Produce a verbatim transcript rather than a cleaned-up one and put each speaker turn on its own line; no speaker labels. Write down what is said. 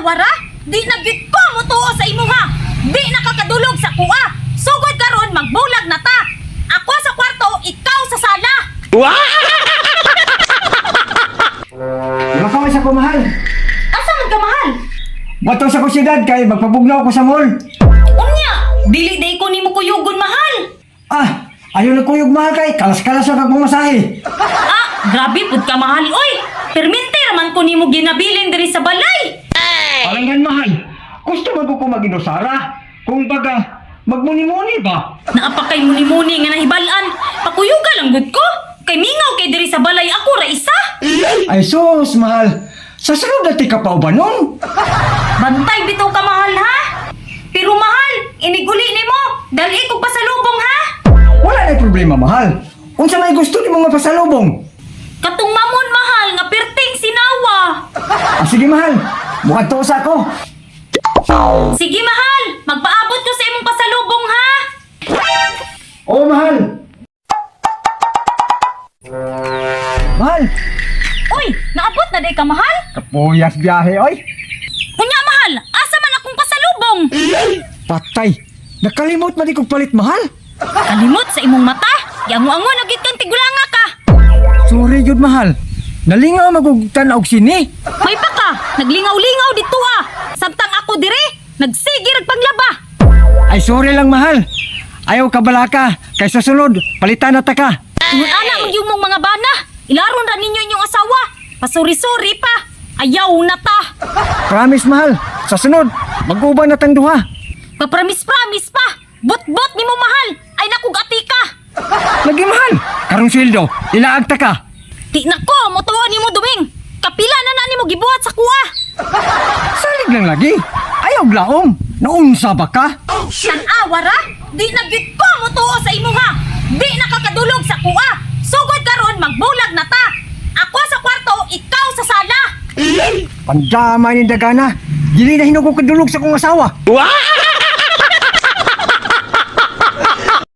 awara? Di nagit ko mo tuo sa imo ha. Di nakakadulog sa kuha. Sugod karon magbulag na ta. Ako sa kwarto, ikaw sa sala.
Makaway sa kumahal.
Asa man ka mahal?
Bato sa kusidad kay magpabugnaw ko sa mall.
Unya, dili day ko nimo kuyugon mahal.
Ah, ayaw na kuyog mahal kay kalas-kalas sa pagmamasahe.
Ah, grabe pud ka mahal oy. Permente raman ko nimo ginabilin diri sa balay.
Alangan mahal. Gusto mo ko maginusara? Kung baga, magmuni-muni ba?
Naapakay muni-muni nga nahibalan. Pakuyuga lang gud ko. Kay mingaw kay diri sa balay ako ra isa.
Ay sus, mahal. Sa sunod dati ka pa ba nun?
Bantay bitaw ka mahal ha. Pero mahal, iniguli nimo. Dali ko pasalubong ha.
Wala na problema, mahal. Unsa may gusto ni mga pasalubong?
Katong mamon mahal nga perting sinawa.
Ah, sige, mahal. Mukhang to sa ako.
Sige mahal, magpaabot ko sa imong pasalubong ha.
Oo, mahal. Mahal.
Uy, naabot na day ka mahal?
Kapuyas biyahe, oy.
Unya mahal, asa man akong pasalubong?
Patay. Nakalimot man di kong palit, mahal.
Kalimot sa imong mata. Yango-ango nagit kang tigulanga ka.
Sorry, yun, mahal. Nalingaw magugtan og sini.
May pa ka, naglingaw-lingaw dito ah. Samtang ako dire, nagsigir panglaba.
Ay, sorry lang, mahal. Ayaw ka balaka. Kay sa sunod, palitan na ta ka.
Ingon ana mo yung mong mga bana. Ilaron ra ninyo inyong asawa. Pasuri-suri pa. Ayaw na ta.
Promise, mahal. Sa sunod, mag-uban na tang duha.
Papramis-pramis pa. Bot-bot ni mo mahal. Ay nakugati ka.
Lagi, mahal. Karong sweldo, ilaag ta ka.
Di na ko, motuwa ni mo duming. Kapila na na ni mo gibuhat sa kuha.
Salig lang lagi. Ayaw glaom. Naunsa ba ka?
Tanawa ra? Di nagit ko motuwa sa imo ha. Di nakakadulog sa kuha. Sugod karon magbulag na ta. Ako sa kwarto, ikaw sa sala.
Pandamay ni dagana. Dili na hinugog kadulog sa kong asawa.
Wow!